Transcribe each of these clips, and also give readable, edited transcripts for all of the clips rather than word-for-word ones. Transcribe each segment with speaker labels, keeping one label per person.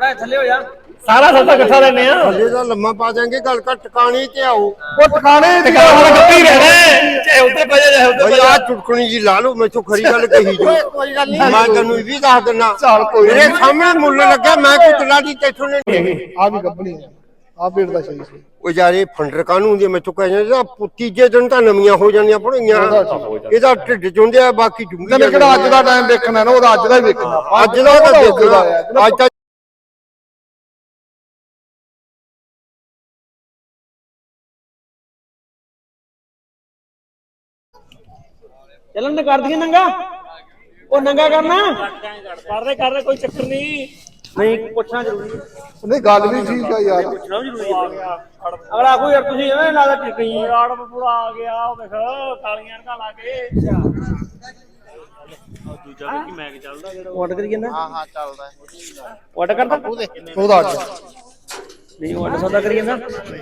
Speaker 1: बड़ा थले हो जा
Speaker 2: सारा सौदा इकट्ठा लेने आ
Speaker 3: थले दा लम्मा पा देंगे गल का टकाने ते आओ
Speaker 2: वो टकाने ते गल वाला गप्पी रहना चाहे उते पे चाहे उते
Speaker 3: भाई आ चुटकणी जी ला लो मैं तो खरी गल कही जो
Speaker 4: कोई गल नहीं
Speaker 3: मैं तन्नू भी दस देना
Speaker 2: चल कोई
Speaker 3: मेरे सामने मुੱਲ लगा मैं कोई तला दी तेथों ने
Speaker 2: आ भी गप्पनी आ पेड़ दा सही सी
Speaker 3: ਉਹ ਯਾਰ ਇਹ ਫੰਡਰ ਕਾਹਨੂੰ ਹੁੰਦੀ ਮੈਂ ਤੂੰ ਕਹਿੰਦਾ ਤੀਜੇ ਦਿਨ ਤਾਂ ਨਵੀਆਂ ਹੋ ਜਾਂਦੀਆਂ ਪੜੀਆਂ ਇਹਦਾ ਢਿੱਡ ਚੁੰਦਿਆ ਬਾਕੀ ਜੁੰਗੀ
Speaker 2: ਤੇ ਕਿਹੜਾ ਅੱਜ ਦਾ ਟਾਈਮ ਦੇਖਣਾ ਨਾ ਉਹਦਾ ਅੱਜ ਦਾ ਹੀ ਵੇਖਣਾ
Speaker 3: ਅੱਜ ਦਾ ਤਾਂ ਦੇਖਣਾ ਅੱਜ ਤਾਂ
Speaker 1: चलन कर दिए नंगा ओ नंगा करना
Speaker 2: कर दे कोई चक्कर नहीं
Speaker 1: नहीं पूछना जरूरी है
Speaker 2: नहीं गल भी ठीक है यार
Speaker 1: पूछना भी जरूरी है अगला आखो यार तुसी एवें लादा टिकई
Speaker 2: राड़ पूरा आ गया ओ देख कालियां का लाके दूजा भी मैं चलदा जेड़ा
Speaker 1: ऑर्डर करिए ना
Speaker 4: हां हां चलदा
Speaker 1: ऑर्डर करदा
Speaker 2: ਉਹਦਾ ਅੱਜ
Speaker 1: नहीं ऑर्डर सौदा करिए ना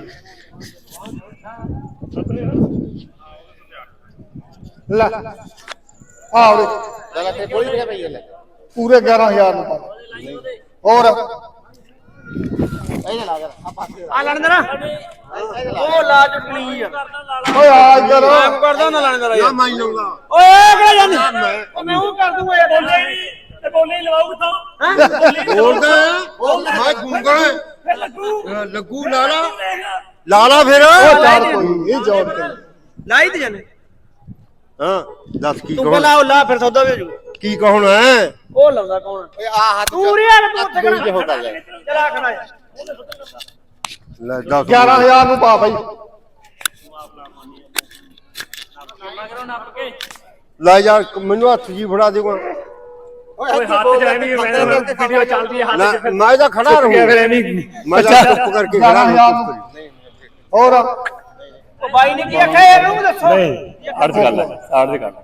Speaker 2: ਲੈ ਆ ਉਹਦੇ
Speaker 4: चल ते कोई भी भई ले
Speaker 2: ਪੂਰੇ 11000 ਨੂੰ ਪਾ ਹੋਰ
Speaker 4: ए ला आ पास
Speaker 1: आ लाने देना ओ ला चुटनी
Speaker 2: ਓਏ ਆ ਇੱਧਰ
Speaker 1: मैं करदा ना लाने देना
Speaker 3: ਨਾ
Speaker 1: यार
Speaker 3: ਮੈਂ ਲਊਂਗਾ
Speaker 1: ओए क्या जानी ओ मैं वो कर दूंगा यार बोले ही लगाओ किथों हैं
Speaker 3: ਬੋਲਦਾ ਮੈਂ ਗੂੰਗਾ ਲੱਗੂ ਲਾਲਾ ਲਾਲਾ ਫਿਰ
Speaker 2: ਚੱਲ ਕੋਈ ਇਹ ਜੋੜ ਕੇ
Speaker 1: लाई दे जाने
Speaker 3: ਹਾਂ ਦੱਸ ਕੀ
Speaker 1: तू
Speaker 3: ਕਹੋ
Speaker 1: कला ला फिर सौदा भी हो जाऊ
Speaker 3: ਕੀ ਕਹਣਾ ਹੈ
Speaker 1: ओ लाਉਂदा कौन
Speaker 4: ओए आ हाथ
Speaker 1: तू रे यार तू उत्ते
Speaker 4: कोई जो होता है
Speaker 1: चला खड़ा यार
Speaker 3: ਲੈ ਦੱਸ
Speaker 2: 11000 ਨੂੰ ਪਾ ਬਾਈ
Speaker 3: ਲੈ ਯਾਰ ਮੈਨੂੰ ਹੱਥ ਜੀ ਫੜਾ ਦੇਗਾ
Speaker 4: ओए हाथ
Speaker 2: जाएंगे वीडियो चलती है
Speaker 3: ਮੈਂ ਤਾਂ ਖੜਾ ਰਹੂੰ ਮੈਂ ਤਾਂ ਚੁੱਪ ਕਰਕੇ ਖੜਾ ਰਹੂੰ
Speaker 2: ਹੋਰ
Speaker 1: ओ भाई ने की आखा यार नु दसो
Speaker 2: अर्ज कर ले अर्ज कर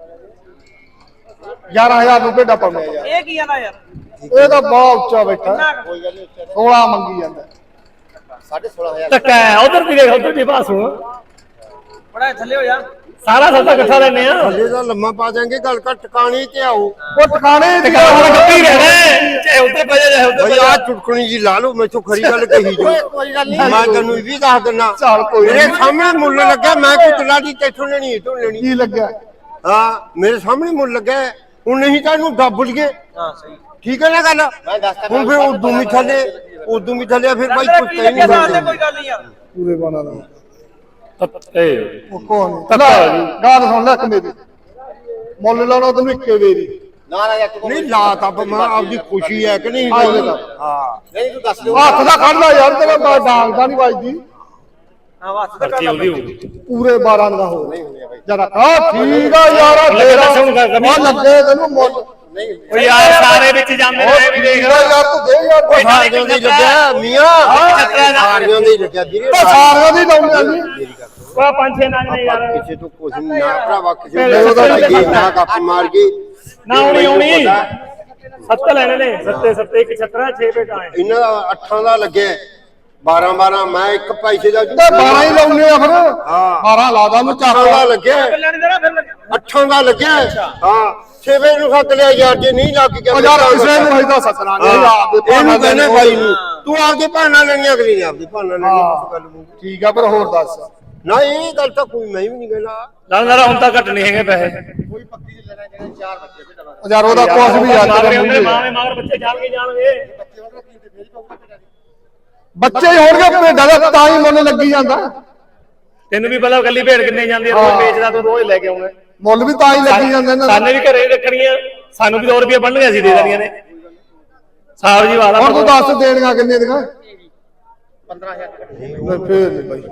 Speaker 2: 11000 ਨੂੰ ਭੇਡਾ ਪਾਉਂਦੇ ਯਾਰ
Speaker 1: ये की आना यार
Speaker 2: ਇਹ ਤਾਂ ਬਹੁਤ ਉੱਚਾ ਬੈਠਾ
Speaker 4: कोई गल नहीं
Speaker 2: 16 ਮੰਗੀ ਜਾਂਦਾ
Speaker 4: 16500
Speaker 2: ਟੱਕਾ ਉਧਰ ਵੀ ਦੇਖ ਉਧਰ ਵੀ ਪਾਸ ਹੋ
Speaker 1: बड़ा थले हो जा
Speaker 2: ਸਾਰਾ ਸੌਦਾ ਇਕੱਠਾ ਲੈਣੇ ਆ
Speaker 3: ਥੱਲੇ ਦਾ ਲੰਮਾ ਪਾ ਦੇਂਗੇ ਗੱਲ ਕਰ ਟਿਕਾਣੇ ਤੇ ਆਓ
Speaker 2: ਉਹ ਟਿਕਾਣੇ ਤੇ ਗਲ ਵਾਲਾ ਗप्पी ਰਹਿਣਾ ਚਾਹੇ ਉਤੇ ਪੈ ਚਾਹੇ ਉਤੇ
Speaker 3: ਭਾਈ ਆ ਚੁਟਕਣੀ ਜੀ ਲਾ ਲਓ ਮੈਂ ਤੋਂ ਖਰੀ ਗੱਲ ਕਹੀ ਜੋ
Speaker 4: कोई गल नहीं
Speaker 3: ਮੈਂ ਤੈਨੂੰ ਵੀ ਦੱਸ ਦਿੰਨਾ
Speaker 2: ਚੱਲ ਕੋਈ
Speaker 3: ਮੇਰੇ ਸਾਹਮਣੇ ਮੁੱਲ ਲੱਗਾ ਮੈਂ ਕੋਈ ਤਲਾ ਦੀ ਤੇਥੋਂ ਲੈਣੀ ਤੋਂ ਲੈਣੀ
Speaker 2: ਕੀ ਲੱਗਾ
Speaker 3: ਹਾਂ ਮੇਰੇ ਸਾਹਮਣੇ ਮੁੱਲ ਲੱਗਾ ਹੁਣ ਨਹੀਂ ਤਾਂ ਇਹਨੂੰ ਦੱਬ ਲਈਏ
Speaker 1: हां सही
Speaker 3: ਠੀਕ ਹੈ ਨਾ ਗੱਲ
Speaker 4: मैं दसता
Speaker 3: ਹੁਣ ਫਿਰ ਉਦੋਂ ਵੀ ਥੱਲੇ ਫਿਰ ਭਾਈ ਕੁਛ ਤਾਂ ਹੀ ਨਹੀਂ
Speaker 1: कोई
Speaker 3: ਹੋਣਾ
Speaker 1: गल नहीं यार
Speaker 2: ਪੂਰੇ ਬਾਣਾ ਦਾ ਉਹ ਕੋਣ ਤਲਾ ਗੱਲ ਸੁਣ ਲੈ ਕਮੇ ਦੀ ਮੁੱਲ ਲਾਉਣਾ ਤੈਨੂੰ ਇੱਕੇ ਵੇਰੀ
Speaker 4: ना ना यार तू
Speaker 3: ਨਹੀਂ ਲਾ ਤਾਂ ਮੈਂ ਆਪਦੀ ਖੁਸ਼ੀ ਹੈ ਕਿ ਨਹੀਂ
Speaker 2: ਹਾਂ
Speaker 3: ਹਾਂ
Speaker 4: नहीं तू दस दे
Speaker 2: ਹੱਥ ਦਾ ਖੜਦਾ ਯਾਰ ਤੇਰਾ ਡਾਂਗ ਦਾ ਨਹੀਂ ਵੱਜਦੀ
Speaker 1: हां वास्ते तो कर
Speaker 2: ਪੂਰੇ 12 ਦਾ ਹੋ ਜਰਾ ਆ ਠੀਕ ਆ ਯਾਰ ਤੇਰਾ ਆ ਲੱਗੇ ਤੈਨੂੰ ਮੁੱਲ
Speaker 4: नहीं
Speaker 2: ਓ ਯਾਰ ਸਾਰੇ ਵਿੱਚ ਜਾਂਦੇ ਨੇ ਵੀ ਦੇਖ ਯਾਰ ਤੂੰ ਦੇ ਯਾਰ
Speaker 3: ਸਾਰਿਆਂ ਦੀ ਲੱਗਿਆ ਮੀਆਂ ਸਾਰਿਆਂ ਦੀ ਲੱਗਿਆ ਵੀਰੇ
Speaker 2: ਸਾਰਿਆਂ ਦੀ ਲਾਉਂਦੇ ਆ ਜੀ ਆ ਪੰਜ ਛੇ ਨੰਗ ਨੇ ਯਾਰ
Speaker 3: ਕਿਸੇ ਤੋਂ ਕੁਝ ਨਾ ਭਰਾਵਾ ਕਿਸੇ ਨੂੰ ਉਹਦਾ ਲੱਗੀ ਨਾ ਗੱਪ ਮਾਰ ਗਈ
Speaker 2: ਨਾ ਆਉਣੀ ਸੱਤ ਲੈਣੇ ਨੇ ਸੱਤੇ ਇੱਕ ਛੱਤਰਾ 6 ਪੇਟਾਂ
Speaker 3: ਇਹਨਾਂ ਦਾ 8 ਦਾ ਲੱਗਿਆ 12 ਮੈਂ ਇੱਕ ਪੈਸੇ ਦਾ
Speaker 2: 12 ਹੀ ਲਾਉਨੇ ਆ ਫਿਰ
Speaker 3: ਹਾਂ
Speaker 2: 12 ਲਾਦਾ ਨੂੰ
Speaker 3: 8 ਦਾ ਲੱਗਿਆ
Speaker 1: लेने देना फिर
Speaker 3: 8 ਦਾ ਲੱਗਿਆ ਹਾਂ 6 ਵਜੇ ਨੂੰ ਸੱਤ ਲਿਆ ਯਾਰ ਜੇ ਨਹੀਂ ਲੱਗ ਗਿਆ
Speaker 2: ਉਹ ਯਾਰ ਕਿਸੇ ਨੂੰ ਇਹਦਾ ਸੱਤਣਾ ਨਹੀਂ ਆਪਦੇ
Speaker 3: ਇਹਨੂੰ ਕਹਿੰਦੇ ਬਾਈ ਨੂੰ ਤੂੰ ਆਪਦੇ ਭਾਣਾ ਲੈਣੀ ਅਗਲੀ ਨੇ ਆਪਦੀ ਭਾਣਾ ਲੈਣੀ ਉਸ ਗੱਲ ਨੂੰ
Speaker 2: ਠੀਕ ਆ ਪਰ ਹੋਰ ਦੱਸ
Speaker 3: ਨਾ ਇਹ ਗੱਲ ਤਾਂ ਕੋਈ ਮੈਂ ਵੀ ਨਹੀਂ ਕਹਿਣਾ
Speaker 2: ਨਾ ਹੁਣ ਤਾਂ ਘਟ ਨਹੀਂ ਹੈਗੇ ਪੈਸੇ
Speaker 4: कोई पक्की ले लेना चार बच्चे बेटा
Speaker 2: ਉਹ ਯਾਰ ਉਹਦਾ ਕੁਛ ਵੀ ਯਾਦ
Speaker 5: ਮਗਰ ਬੱਚੇ ਜਾਣਗੇ
Speaker 2: ਬੱਚੇ ਹੀ ਹੋਣਗੇ ਭੇਡਾਂ ਦਾ ਤਾਂ ਹੀ ਮਨ ਲੱਗੀ ਜਾਂਦਾ
Speaker 5: ਤੈਨੂੰ ਵੀ ਪਤਾ ਕੱਲੀ ਭੇਡ ਕਿੰਨੇ ਜਾਂਦੀ ਆ ਰੋਜ਼ ਵੇਚਦਾ ਤੂੰ ਰੋਜ਼ ਲੈ ਕੇ ਆਉਂਦਾ
Speaker 2: ਮੁੱਲ ਵੀ ਤਾਂ ਹੀ ਲੱਗੀ ਜਾਂਦੇ ਨੇ
Speaker 5: ਸਾਨੇ ਵੀ ਘਰੇ ਰੱਖਣੀਆਂ ਸਾਨੂੰ ਵੀ 2 ਰੁਪਏ ਬਣਨਗੇ ਅਸੀਂ ਦੇ ਦੇਣੀਆਂ ਨੇ ਸਾਹਿਬ ਜੀ ਵਾਲਾ
Speaker 2: ਹੁਣ ਤੂੰ ਦੱਸ ਦੇਣੀਆਂ ਕਿੰਨੇ ਦੀਆਂ
Speaker 4: 15000
Speaker 2: ਫੇਰ ਨਹੀਂ ਬਾਈ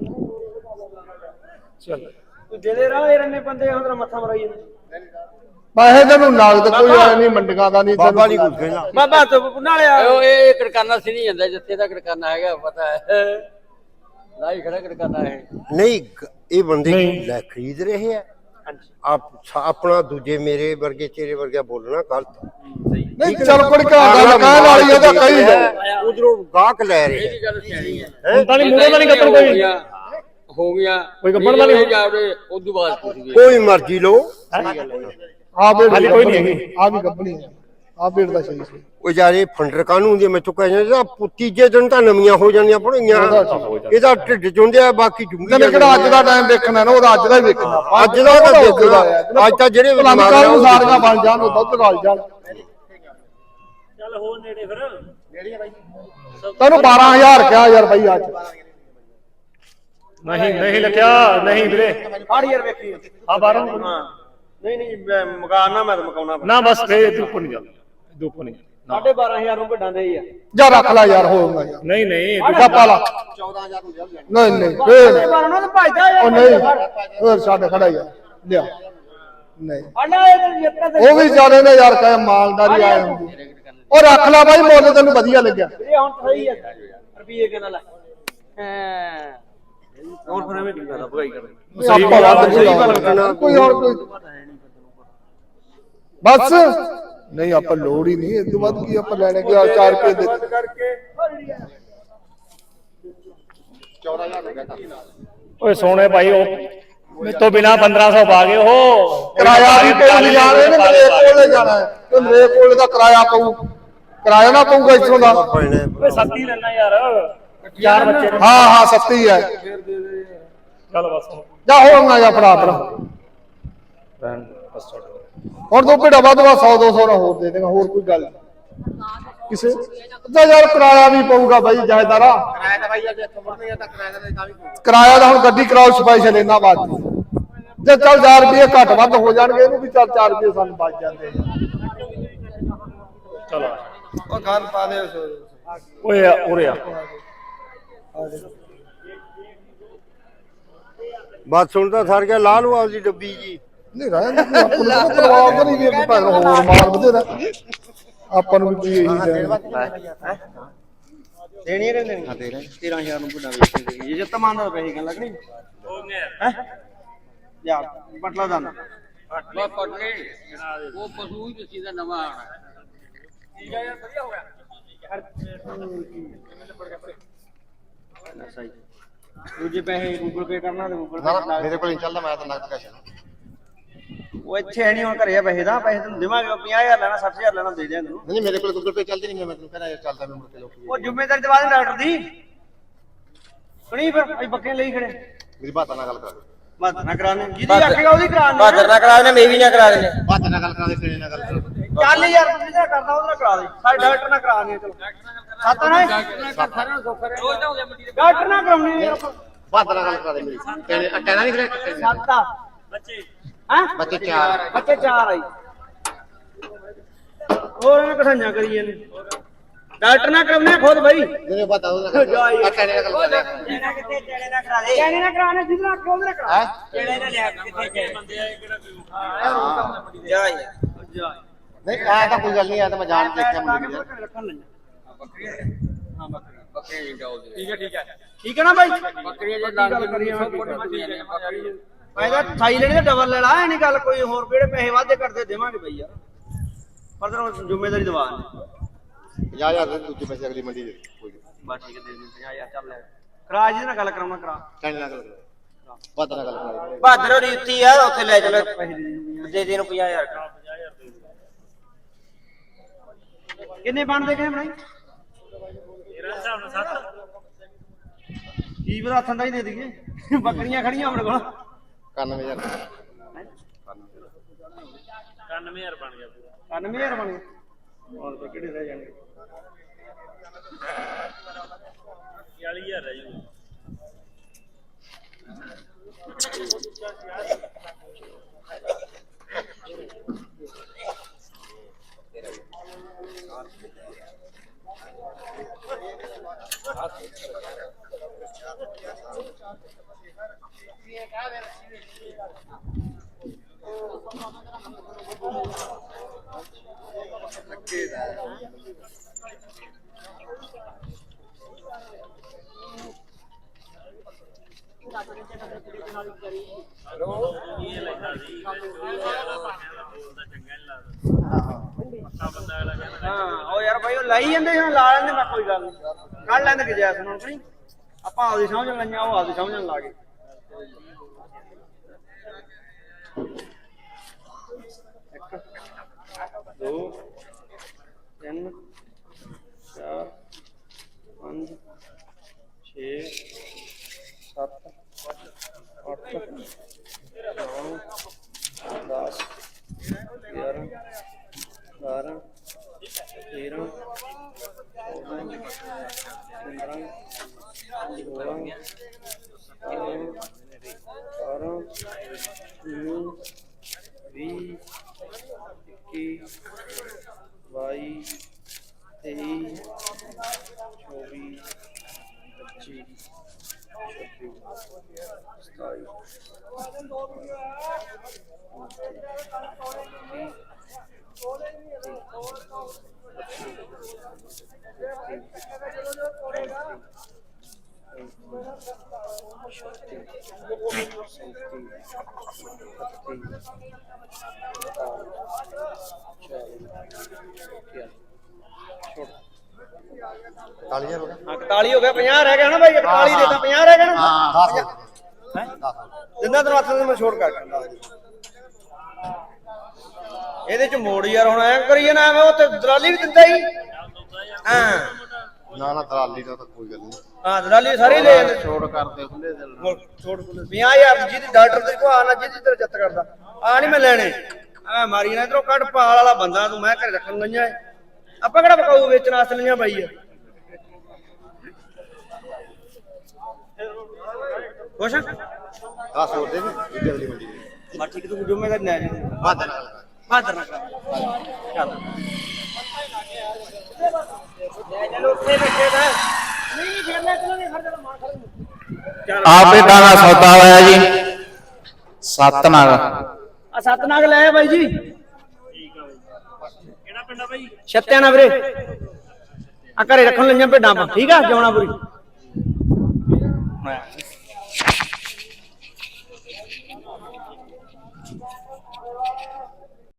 Speaker 5: ਚੱਲ
Speaker 1: तू दे दे रहा यार इतने बंदे हम तेरा मत्था मराई
Speaker 2: ਪੈਸੇ ਤੈਨੂੰ ਨਗਦ ਕੋਈ ਐ ਨਹੀਂ ਮੰਡੀਆਂ ਦਾ ਨਹੀਂ
Speaker 3: ਬਾਬਾ ਨਹੀਂ ਕੁਝ ਕਹਿਣਾ
Speaker 1: बाबा तो नाले यार
Speaker 6: ਉਹ ਇਹ ਕੜਕਾਨਾ ਸੀ ਨਹੀਂ ਜਾਂਦਾ ਜਿੱਥੇ ਦਾ ਕੜਕਾਨਾ ਹੈਗਾ ਪਤਾ ਹੈ ਲਾਈ ਖੜਾ ਕੜਕਾਨਾ ਹੈ
Speaker 3: ਨਹੀਂ ਇਹ ਬੰਦੇ ਲੈ ਖਰੀਦ ਰਹੇ ਆ ਆਪਣਾ ਦੂਜੇ ਮੇਰੇ ਵਰਗੇ ਤੇਰੇ ਵਰਗਾ ਬੋਲਣਾ ਗਲਤ
Speaker 2: ਨਹੀਂ ਚੱਲ ਕੋਈ ਗੱਲ ਕਹਿਣ ਵਾਲੀ ਇਹਦਾ ਕਹੀ
Speaker 3: ਉਧਰੋਂ ਗਾਹਕ ਲੈ ਰਹੇ
Speaker 6: ਇਹ ਗੱਲ ਸਿਆਣੀ ਹੈ
Speaker 5: ਹੁਣ ਤਾਂ ਨਹੀਂ ਮੂਹਰੇ ਤਾਂ ਨਹੀਂ ਕੱਟਣ ਕੋਈ
Speaker 6: ਹੋ ਗਿਆ
Speaker 5: ਕੋਈ ਗੱਬਣ ਦਾ ਨਹੀਂ
Speaker 6: ਜਾਵੇ ਉਦੋਂ ਬਾਅਦ ਪੁੱਛ ਗਏ
Speaker 3: ਕੋਈ ਮਰਜ਼ੀ ਲੋ
Speaker 2: ਆ ਬੇੜ
Speaker 5: ਹਾਲੇ ਕੋਈ ਨਹੀਂ ਹੈਗੀ
Speaker 2: ਆ ਵੀ ਗੱਬਣੀ ਆ ਭੇਡ ਦਾ ਸਹੀ ਸੀ
Speaker 3: ਉਹ ਯਾਰ ਇਹ ਫੰਡਰ ਕਾਹਨੂੰ ਹੁੰਦੀ ਮੈਂ ਕਹਿ ਜਾਂਦਾ ਤੀਜੇ ਦਿਨ ਤਾਂ ਨਵੀਆਂ ਹੋ ਜਾਣੀਆਂ ਬਣੀਆਂ ਇਹਦਾ ਢਿੱਡ ਚੁੰਦਿਆ ਬਾਕੀ ਜੁੰਗੀ
Speaker 2: ਤੈਨੂੰ ਕਿਹੜਾ ਅੱਜ ਦਾ ਟਾਈਮ ਦੇਖਣਾ ਨਾ ਉਹਦਾ ਅੱਜ ਦਾ ਹੀ ਦੇਖਣਾ
Speaker 3: ਅੱਜ ਦਾ ਤਾਂ ਦੇਖਣਾ ਅੱਜ ਤਾਂ ਜਿਹੜੇ
Speaker 2: ਕੱਲ ਨੂੰ ਸਾਰੀਆਂ ਬਣ ਜਾਣ ਉਹ ਦੁੱਧ ਰਲ ਜਾਣ
Speaker 1: ਚੱਲ ਹੋਰ ਨੇੜੇ ਫਿਰ
Speaker 2: ਤੈਨੂੰ 12000 ਕਿਹਾ ਯਾਰ ਬਾਈ ਅੱਜ
Speaker 5: ਨਹੀਂ ਲੱਗਿਆ ਨਹੀਂ ਵੀਰੇ
Speaker 4: 8000 ਵੇਖੀ
Speaker 5: ਆ 12
Speaker 4: ਹਾਂ ਨਹੀਂ ਮਕਾਨਾ ਮੈਂ ਤਾਂ ਮਕਾਉਣਾ
Speaker 5: ਨਾ ਬਸ ਫੇਰ ਤੂੰ ਉੱਪਰ ਨਹੀਂ ਜਾ ਤੂੰ ਉੱਪਰ ਨਹੀਂ ਜਾ
Speaker 4: 12500 ਨੂੰ ਵੱਡਾਂ ਦੇ ਹੀ ਆ
Speaker 2: ਜਾ ਰੱਖ ਲੈ ਯਾਰ ਹੋਊਗਾ ਯਾਰ
Speaker 5: ਨਹੀਂ
Speaker 2: ਜਾ ਪਾ ਲਾ
Speaker 4: 14000 ਨੂੰ ਲਿਆ
Speaker 2: ਨਹੀਂ ਫੇਰ
Speaker 4: ਬਾਰਾਂ ਨੂੰ ਭਜਦਾ
Speaker 2: ਉਹ ਨਹੀਂ ਹੋਰ ਸਾਡੇ ਖੜਾ ਯਾਰ ਲਿਆ ਨਹੀਂ
Speaker 4: ਆਣਾ ਇਹ ਜਿੱਤ
Speaker 2: ਉਹ ਵੀ ਜਾਣੇ ਨੇ ਯਾਰ ਕਹੇ ਮਾਲਦਾਰੀ ਆਏ ਹੁੰਦੀ ਉਹ ਰੱਖ ਲੈ ਬਾਈ ਮੁੱਲ ਤੈਨੂੰ ਵਧੀਆ ਲੱਗਿਆ
Speaker 4: ਇਹ ਹੁਣ ਸਹੀ ਹੈ ਰੁਪਏ ਕਿੰਨਾ ਲੈ ਹਾਂ ਹੋਰ ਫਿਰ ਐਵੇਂ ਕੀ ਕਰਦਾ ਭਗਾਈ ਕਰਦਾ
Speaker 2: ਆਪਾਂ ਵੱਧ ਕੋਈ ਹੋਰ ਕੋਈ ਬਸ ਨਹੀਂ ਆਪਾਂ ਲੋੜ ਹੀ ਨਹੀਂ ਇਸ ਤੋਂ ਵੱਧ ਕੀ ਆਪਾਂ ਲੈਣੇ ਕਿ 4 ਰੁਪਏ ਦੇ
Speaker 4: ਕਰਕੇ 14000 ਹੋ ਗਿਆ
Speaker 5: ਓਏ ਸੋਹਣੇ ਭਾਈ ਉਹ ਮੇਰੇ ਤੋਂ ਬਿਨਾ 1500 ਪਾ ਗਏ ਉਹ
Speaker 2: ਕਿਰਾਇਆ ਵੀ ਕੋਈ ਨਹੀਂ ਜਾ ਰਹੇ ਨੇ ਮੇਰੇ ਕੋਲੇ ਜਾਣਾ ਹੈ ਤੇ ਮੇਰੇ ਕੋਲੇ ਦਾ ਕਿਰਾਇਆ ਪਊ ਕਿਰਾਇਆ ਨਾ ਪਊਗਾ ਇੱਥੋਂ ਦਾ
Speaker 5: ਓਏ ਸੱਤੀ ਲੈਣਾ ਯਾਰ 4 ਬੱਚੇ ਨੇ
Speaker 2: ਹਾਂ ਸੱਤੀ ਹੈ
Speaker 5: ਚੱਲ ਬਸ
Speaker 2: ਜਾ ਹੋਣਾ ਜਾਂ ਫੜਾ ਹੁਣ ਤੋਂ ਭੇੜਾ ਵੱਧ 100 200 ਨਾ ਹੋਰ ਦੇ ਦੇਗਾ ਹੋਰ ਕੋਈ ਗੱਲ ਕਿਸੇ ਅੱਧਾ ਯਾਰ ਕਿਰਾਇਆ ਵੀ ਪਊਗਾ ਬਾਈ ਜਾਇਦਾਰਾ
Speaker 4: ਕਿਰਾਇਆ ਤਾਂ ਭਾਈ ਅੱਜ ਇੱਥੋਂ ਮੁੜਨੇ ਤਾਂ ਕਿਰਾਇਆ ਦਾ ਤਾਂ ਵੀ
Speaker 2: ਕਿਰਾਇਆ ਦਾ ਹੁਣ ਗੱਡੀ ਕਰਾਓ ਸਪੈਸ਼ਲ ਇਹਨਾਂ ਬਾਅਦ ਜੇ ਚੱਲ 4 ਰੁਪਏ ਘੱਟ ਵੱਧ ਹੋ ਜਾਣਗੇ ਇਹਨੂੰ ਵੀ ਚੱਲ 4 ਰੁਪਏ ਸਾਨੂੰ ਬਚ ਜਾਂਦੇ
Speaker 5: ਚਲੋ
Speaker 2: ਉਹ ਗੱਲ ਪਾ ਦੇ
Speaker 5: ਓਏ ਉਰੇ ਆ
Speaker 3: ਬਾਤ ਸੁਣਦਾ ਸਰ ਗਿਆ ਲਾ ਲਓ ਆਪਦੀ ਡੱਬੀ ਜੀ
Speaker 2: ਨਹੀਂ ਰਹਿਣ ਦੇ ਆਪਾਂ ਨੂੰ ਪਰਵਾਹ ਤਾਂ ਨਹੀਂ ਵੀ ਭਾਵੇਂ ਹੋਰ ਮਾਰ ਬਥੇਰਾ ਆਪਾਂ ਨੂੰ ਵੀ ਕੋਈ ਇਹੀ ਦੇਣਾ
Speaker 4: ਦੇਣੀ ਹੈ ਦੇਣੀ ਹਾਂ ਦੇ ਰਹੇ 13000 ਨੂੰ ਵੱਡਾ ਵੇਚ ਦੇ ਜੇ ਤਮਾਨ ਦਾ ਪੈਸੇ ਗੱਲ ਲੱਗਣੀ
Speaker 1: ਹੋ ਗਿਆ
Speaker 4: ਹੈ ਯਾ ਪਟਲਾ ਦਾ
Speaker 6: ਬਸ ਪਟਲੇ ਉਹ ਪਸ਼ੂ ਹੀ ਕਿਸੇ ਦਾ ਨਵਾਂ ਆਣਾ
Speaker 4: ਠੀਕ ਹੈ ਯਾਰ ਵਧੀਆ ਹੋ ਗਿਆ ਸਹੀ ਦੂਜੇ ਪੈਸੇ ਗੂਗਲ ਪੇ ਕਰਨਾ ਤੇ ਗੂਗਲ ਪੇ ਮੇਰੇ ਕੋਲ ਨਹੀਂ ਚੱਲਦਾ ਮੈਂ ਤਾਂ ਨਕਦ ਕੈਸ਼ ਉਹ ਇੱਥੇ ਹੈ ਨਹੀਂ ਹੁਣ ਘਰੇ ਪੈਸੇ ਦਾ ਪੈਸੇ ਤੈਨੂੰ ਦੇਵਾਂਗੇ 50000 ਲੈਣਾ 60000 ਲੈਣਾ ਦੇ ਦਿਆਂ ਤੈਨੂੰ ਨਹੀਂ ਮੇਰੇ ਕੋਲ ਗੂਗਲ ਪੇ ਚੱਲਦੀ ਨਹੀਂ ਮੈਂ ਤੈਨੂੰ ਕਹਿੰਦਾ ਯਾਰ ਚੱਲਦਾ ਮੈਂ ਮੁੜ ਕੇ ਲੋਕੀ ਉਹ ਜ਼ਿੰਮੇਵਾਰੀ ਦਵਾ ਦੇ ਡਾਕਟਰ ਦੀ ਸੁਣੀ ਫਿਰ ਅਸੀਂ ਬੱਕੇ ਲਈ ਖੜੇ ਮੇਰੀ ਬਾਤ ਨਾਲ ਗੱਲ ਕਰਾ ਬਾਤ ਨਾ ਕਰਾਣੇ ਜਿਹਦੀ ਆਖੇਗਾ ਉਹਦੀ ਕਰਾਣੇ ਬਾਤ ਨਾ ਕਰਾਣੇ ਮੈਂ ਵੀ ਨਾ ਕਰਾ ਦੇਣੇ ਬਾਤ ਨਾਲ ਗੱਲ ਕਰਾ ਦੇ ਕਿਹਨੇ ਨਾਲ ਗੱਲ ਕਰਾ ਚੱਲ ਯਾਰ ਤੂੰ ਜਿਹੜਾ ਕਰਦਾ ਉਹਦੇ ਨਾਲ ਕਰਾ ਦੇ ਸਾਡੇ ਡਾਕਟਰ ਨਾਲ ਕਰਾਣੇ ਚਲੋ ਸੱਤ ਨਾ ਸਾਰਿਆਂ ਨੂੰ ਸੁੱਖ ਕਰੇ ਡਾਕਟਰ ਨਾਲ ਕਰਾਉਣੀ ਯਾਰ ਬਾਤ ਨਾਲ ਗੱਲ ਕਰਾ ਦੇ ਮੇਰੀ ਕਹਿਣਾ ਨਹੀਂ ਕਰੇ ਸੱਤ
Speaker 1: ਬੱਚੇ
Speaker 4: ਹਾਂ ਬੱਚੇ 4 ਆਈ ਹੋਰ ਇਹਨਾਂ ਕਠਾਈਆਂ ਕਰੀ ਜਾਂਦੇ ਡਾਕਟਰ ਨਾ ਕਰਾਉਣੇ ਖੁਦ ਭਾਈ ਮੈਨੂੰ ਪਤਾ ਉਹਦਾ ਕਹਿਣੇ ਨਾਲ ਗੱਲ ਕਰਾ ਦੇ ਕਿੱਥੇ ਚੇੜੇ ਨਾ ਕਰਾ ਦੇ ਕਹਿਣੇ ਨਾ ਕਰਾਣੇ ਜਿੱਦਾਂ ਆਖੋ ਉਹਦੇ ਨਾਲ ਕਰਾ ਚੇੜੇ ਨਾ ਲਿਆ ਕਿੱਥੇ
Speaker 1: ਬੰਦੇ ਆ ਕਿਹੜਾ ਕੋਈ
Speaker 4: ਜਾ ਯਾਰ ਨਹੀਂ ਆ ਤਾਂ ਕੋਈ ਗੱਲ ਨਹੀਂ ਆ ਤਾਂ ਮੈਂ ਜਾਣ ਦੇਖਿਆ ਮੁੰਡੇ ਨੂੰ ਰੱਖਣ ਲੈ ਹਾਂ ਬੱਕਰੀ ਨਹੀਂ ਜਾਉਦੇ ਠੀਕ ਹੈ ਨਾ ਭਾਈ
Speaker 6: ਬੱਕਰੀਆਂ ਜੇ ਲਾਂਗੀ ਕਰੀਆਂ ਬੱਕਰੀ
Speaker 4: ਮੈਂ ਤਾਂ ਸਾਈ ਲੈਣੀ ਤਾਂ ਡਬਲ ਲੈ ਲਾ ਐ ਨਹੀਂ ਗੱਲ ਕੋਈ ਹੋਰ ਕਿਹੜੇ ਪੈਸੇ ਵਾਧੇ ਕਰਦੇ ਦੇਵਾਂਗੇ ਬਈ ਯਾਰ ਪਰ ਤੈਨੂੰ ਜ਼ਿੰਮੇਵਾਰੀ ਦਵਾ ਦੇ 50000 ਦੇ ਦੂਜੇ ਪੈਸੇ ਅਗਲੀ ਮੰਡੀ ਦੇ ਕੋਈ ਬਸ ਠੀਕ ਹੈ ਦੇ ਦੇ 50000 ਚੱਲ ਲੈ ਕਰਾ ਜੀ ਨਾਲ ਗੱਲ ਕਰਾਉਣਾ ਕਰਾ ਕਹਿਣ ਨਾਲ ਗੱਲ ਕਰਾ ਬਾਦਰ ਨਾਲ ਗੱਲ ਕਰਾ ਬਾਦਰ ਹੋਰੀ ਉੱਤੀ ਆ ਉੱਥੇ ਲੈ ਚਲੋ ਦੇ ਦੇ ਨੂੰ 50000 ਕਿੰਨੇ ਬਣਦੇ ਕਿੰਨੇ ਬਣਾਈ
Speaker 1: ਮੇਰਾ ਹਿਸਾਬ ਨਾਲ 7
Speaker 4: ਕੀ ਪਤਾ ਹੱਥਾਂ ਦਾ ਹੀ ਦੇ ਦਈਏ ਬੱਕਰੀਆਂ ਖੜੀਆਂ ਆਪਣੇ ਕੋਲ 91000
Speaker 1: 91000 ਬਣ ਗਿਆ ਪੂਰਾ
Speaker 4: 99000 ਬਣ ਗਿਆ ਹੋਰ ਤਾਂ ਕਿਹੜੇ ਰਹਿ ਜਾਣਗੇ
Speaker 1: 40000 ਰਹਿ ਜੂ
Speaker 4: ਹਾਂ ਉਹ ਯਾਰ ਭਾਈ ਉਹ ਲਾਈ ਜਾਂਦੇ ਹੁਣ ਲਾ ਲੈਂਦੇ ਮੈਂ ਕੋਈ ਗੱਲ ਨਹੀਂ ਕੱਢ ਲੈਂਦੇ ਕਿ ਜੈਸ ਨੂੰ ਨਹੀਂ ਆਪਾਂ ਆਪਦੀ ਸਮਝਣ ਲਈਆਂ ਉਹ ਆਪਦੀ ਸਮਝਣ ਲਾ ਗਏ 3 4 5 6 7 8 9 10 11 12 13 41 ਹੋ ਗਿਆ 50 ਰਹਿ ਗਿਆ ਨਾ ਬਾਈ 41 ਦੇ ਤਾਂ 50 ਰਹਿ ਗਿਆ ਨਾ 10 ਜਿੰਨਾ ਤੈਨੂੰ ਹੱਥ ਮੈਂ ਛੋੜ ਕਰ ਦਿੰਦਾ ਇਹਦੇ ਚ ਮੋੜ ਯਾਰ ਹੁਣ ਐ ਕਰੀਏ ਨਾ ਐਵੇਂ ਉਹ ਤੇ ਦਲਾਲੀ ਵੀ ਦਿੰਦਾ ਹੀ ਹਾਂ
Speaker 2: ਨਾ ਦਲਾਲੀ ਦਾ ਤਾਂ ਕੋਈ ਗੱਲ ਨਹੀਂ
Speaker 4: ਹਾਂ ਦਲਾਲੀ ਸਾਰੇ ਲੈ ਜਾਂਦੇ
Speaker 2: ਛੋੜ ਕਰਦੇ ਖੁੱਲੇ ਦਿਲ ਨਾਲ
Speaker 4: ਛੋੜ 50000 ਜਿਹਦੀ ਡਾਕਟਰ ਦੇ ਕੋ ਆਣਾ ਜਿਹਦੀ ਤੇਰੇ ਜੱਤ ਕਰਦਾ ਆ ਨਹੀਂ ਮੈਂ ਲੈਣੇ ਆ ਮਾਰੀ ਨਾ ਇਧਰੋਂ ਕੱਢ ਪਾਲ ਵਾਲਾ ਬੰਦਾ ਤੂੰ ਮੈਂ ਘਰੇ ਰੱਖਣ ਲਈਆਂ ਆਪਾਂ ਕਿਹੜਾ ਪਕਾਊ ਵੇਚਣ ਵਾਸਤੇ ਲਈਆਂ ਬਾਈ ਆ ਕੁਛ
Speaker 2: 10 ਹੋਰ ਦੇ ਵੀ ਜਲਦੀ ਮੰਡੀ ਦੇ
Speaker 4: ਮਾ ਠੀਕ ਤੂੰ ਜ਼ਿੰਮੇਵਾਰ ਨਾ ਜੀ
Speaker 2: ਬਾਦਰ ਨਾਲ
Speaker 4: ਬਾਦਰ ਨਾ ਕਰ ਚੱਲ ਲੈ ਚਲੋ ਉੱਥੇ ਬੈਠੇ ਦਾ ਨਹੀਂ ਫਿਰ ਲੈ ਚਲੋਗੇ ਖੜ ਜਾ ਮਾਰ ਖੜ
Speaker 7: ਆਪੇ ਦਾਣਾ ਸੌਦਾ ਹੋਇਆ ਜੀ 7 ਨਾਗ
Speaker 4: ਆ 7 ਨਾਗ ਲੈ ਬਾਈ ਜੀ
Speaker 1: ਠੀਕ ਆ ਬਾਈ ਕਿਹੜਾ ਪਿੰਡ ਆ ਬਾਈ
Speaker 4: ਛੱਤਿਆਣਾ ਵੀਰੇ ਆ ਘਰੇ ਰੱਖਣ ਲਈਆਂ ਭੇਡਾਂ ਆਪਾਂ ਠੀਕ ਆ ਜਮਨਾਪੁਰੀ